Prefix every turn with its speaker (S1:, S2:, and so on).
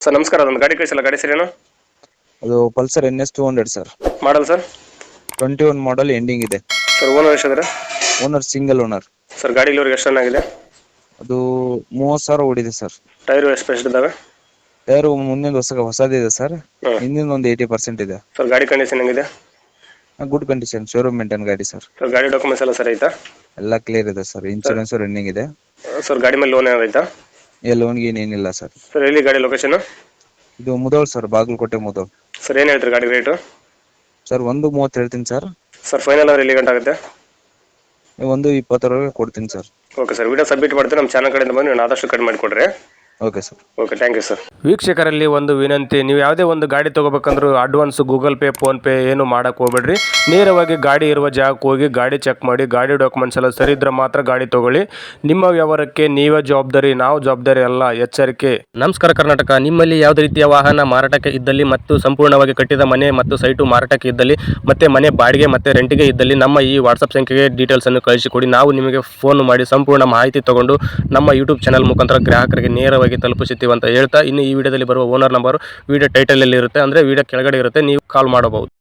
S1: Sir ನಮಸ್ಕಾರ, ಅದೊಂದು ಗಾಡಿ ಕಳಿಸಿಲ್ಲ. ಗಾಡಿ ಸರಿನಾ?
S2: ಅದು Pulsar NS 200 sir.
S1: Model sir?
S2: 21 model ending ಇದೆ
S1: ಸರ್. ಓನರ್ ಎಷ್ಟಿದ್ರೆ?
S2: Owner single owner.
S1: ಸರ್ ಗಾಡಿ ಇಲ್ಲಿವರೆಗೆ ಎಷ್ಟು ರನ್ ಆಗಿದೆ?
S2: ಅದು 30,000 ಓಡಿದೆ ಸರ್.
S1: ಟೈರು ಎಷ್ಟು ಇದ್ದಾವೆ?
S2: ಟೈರು ಮುಂದಿನ ಹೊಸದಿದೆ ಸರ್.
S1: ಹ್ಮ್.
S2: ಹಿಂದಿನ ಒಂದು 80% ಇದೆ.
S1: ಸರ್ ಗಾಡಿ ಕಂಡೀಷನ್ ಹೆಂಗಿದೆ?
S2: ಗುಡ್ ಕಂಡೀಷನ್, ಶೋರೂಮ್ ಮೇಂಟೈನ್ ಗಾಡಿ ಸರ್.
S1: ಸರ್ ಗಾಡಿ ಡಾಕ್ಯುಮೆಂಟ್ಸ್ ಎಲ್ಲ ಸರಿ ಐತಾ?
S2: ಎಲ್ಲ ಕ್ಲಿಯರ್ ಇದೆ ಸರ್. ಇನ್ಶೂರೆನ್ಸ್ ರನ್ನಿಂಗ್ ಇದೆ.
S1: ಸರ್ ಗಾಡಿ ಮೇಲೆ ಲೋನ್ ಏನಾರು ಐತಾ?
S2: ಲೋನ್ಗೆ ಏನಿಲ್ಲ ಸರ್.
S1: ಸರ್ ಎಲ್ಲಿ ಗಾಡಿ ಲೊಕೇಶನ್?
S2: ಇದು ಮುದೋಳ್ ಸರ್, ಬಾಗಲಕೋಟೆ ಮುದೋಳ್.
S1: ಸರ್ ಏನು ಹೇಳ್ತೀರಿ ಗಾಡಿ ರೇಟು?
S2: ಸರ್ 130 ಹೇಳ್ತೀನಿ ಸರ್.
S1: ಸರ್ ಫೈನಲ್ ಅವ್ರು ಎಲ್ಲಿ ಗಂಟೆ ಆಗುತ್ತೆ?
S2: 120 ಕೊಡ್ತೀನಿ sir.
S1: Okay sir, video submit ಮಾಡ್ತೀನಿ. ನಮ್ಮ ಚಾನಲ್ ಕಡೆಯಿಂದ ಬಂದು ನೀವು ಆದಷ್ಟು ಕಡಿಮೆ ಮಾಡಿಕೊಡ್ರಿ.
S2: Okay sir.
S1: Okay, thank you sir.
S3: ವೀಕ್ಷಕರಲ್ಲಿ ಒಂದು ವಿನಂತಿ, ನೀವು ಯಾವುದೇ ಒಂದು ಗಾಡಿ ತೊಗೋಬೇಕಂದ್ರೂ ಅಡ್ವಾನ್ಸ್ ಗೂಗಲ್ ಪೇ ಫೋನ್ಪೇ ಏನು ಮಾಡೋಕ್ಕೆ ಹೋಗ್ಬೇಡ್ರಿ. ನೇರವಾಗಿ ಗಾಡಿ ಇರುವ ಜಾಗಕ್ಕೆ ಹೋಗಿ ಗಾಡಿ ಚೆಕ್ ಮಾಡಿ, ಗಾಡಿ ಡಾಕ್ಯುಮೆಂಟ್ಸ್ ಎಲ್ಲ ಸರಿ ಇದ್ರೆ ಮಾತ್ರ ಗಾಡಿ ತೊಗೊಳ್ಳಿ. ನಿಮ್ಮ ವ್ಯವಹಾರಕ್ಕೆ ನೀವೇ ಜವಾಬ್ದಾರಿ, ನಾವು ಜವಾಬ್ದಾರಿ ಅಲ್ಲ, ಎಚ್ಚರಿಕೆ. ನಮಸ್ಕಾರ ಕರ್ನಾಟಕ. ನಿಮ್ಮಲ್ಲಿ ಯಾವುದೇ ರೀತಿಯ ವಾಹನ ಮಾರಾಟಕ್ಕೆ ಇದ್ದಲ್ಲಿ ಮತ್ತು ಸಂಪೂರ್ಣವಾಗಿ ಕಟ್ಟಿದ ಮನೆ ಮತ್ತು ಸೈಟು ಮಾರಾಟಕ್ಕೆ ಇದ್ದಲ್ಲಿ ಮತ್ತೆ ಮನೆ ಬಾಡಿಗೆ ಮತ್ತು ರೆಂಟಿಗೆ ಇದ್ದಲ್ಲಿ ನಮ್ಮ ಈ ವಾಟ್ಸಪ್ ಸಂಖ್ಯೆಗೆ ಡೀಟೇಲ್ಸನ್ನು ಕಳಿಸಿಕೊಡಿ. ನಾವು ನಿಮಗೆ ಫೋನ್ ಮಾಡಿ ಸಂಪೂರ್ಣ ಮಾಹಿತಿ ತಗೊಂಡು ನಮ್ಮ ಯೂಟ್ಯೂಬ್ ಚಾನಲ್ ಮುಖಾಂತರ ಗ್ರಾಹಕರಿಗೆ ನೇರವಾಗಿ ತಲುಪಿಸುತ್ತೀವಿ ಅಂತ ಹೇಳ್ತಾ, ಇನ್ನು ಈ ವಿಡಿಯೋದಲ್ಲಿ ಬರುವ ಓನರ್ ನಂಬರ್ ವಿಡಿಯೋ ಟೈಟಲ್ ಅಲ್ಲಿ ಇರುತ್ತೆ, ಅಂದ್ರೆ ವಿಡಿಯೋ ಕೆಳಗಡೆ ಇರುತ್ತೆ, ನೀವು ಕಾಲ್ ಮಾಡಬಹುದು.